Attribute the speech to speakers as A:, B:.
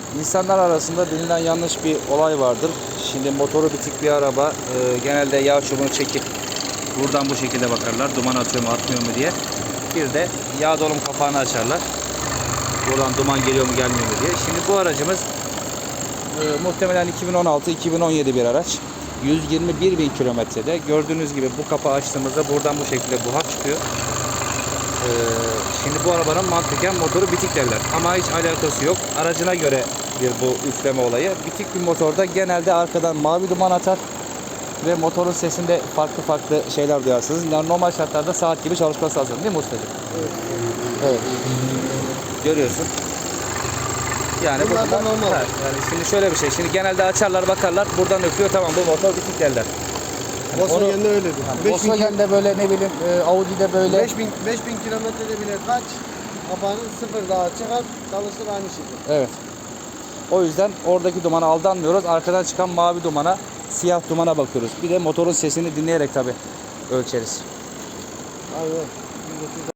A: İnsanlar arasında bilinen yanlış bir olay vardır. Şimdi motoru bitik bir araba genelde yağ çubuğunu çekip buradan bu şekilde bakarlar. Duman atıyor mu atmıyor mu diye. Bir de yağ dolum kapağını açarlar. Buradan duman geliyor mu gelmiyor mu diye. Şimdi bu aracımız muhtemelen 2016-2017 bir araç. 121 bin kilometrede. Gördüğünüz gibi bu kapağı açtığımızda buradan bu şekilde buhar çıkıyor. Şimdi bu arabanın mantıken motoru bitik derler. Ama hiç alakası yok. Aracına göre bir bu üfleme olayı. Bitik bir motorda genelde arkadan mavi duman atar. Ve motorun sesinde farklı farklı şeyler duyarsınız. Yani normal şartlarda saat gibi çalışması lazım değil mi ustacığım?
B: Evet.
A: Evet. Görüyorsun. Yani bu
B: Bunlar da normal.
A: yani şimdi şöyle bir şey. Şimdi genelde açarlar bakarlar. Buradan öpüyor. Tamam bu motor bitik derler.
B: Volkswagen'de öyledir.
A: Yani Volkswagen'de böyle ne bileyim Audi'de böyle
B: 5000 kilometrede bile kaç kapağını sıfır daha çıkar çalışır aynı şekilde.
A: evet. O yüzden oradaki dumana aldanmıyoruz. Arkadan çıkan mavi dumana, siyah dumana bakıyoruz. Bir de motorun sesini dinleyerek tabii ölçeriz.
B: Aynen.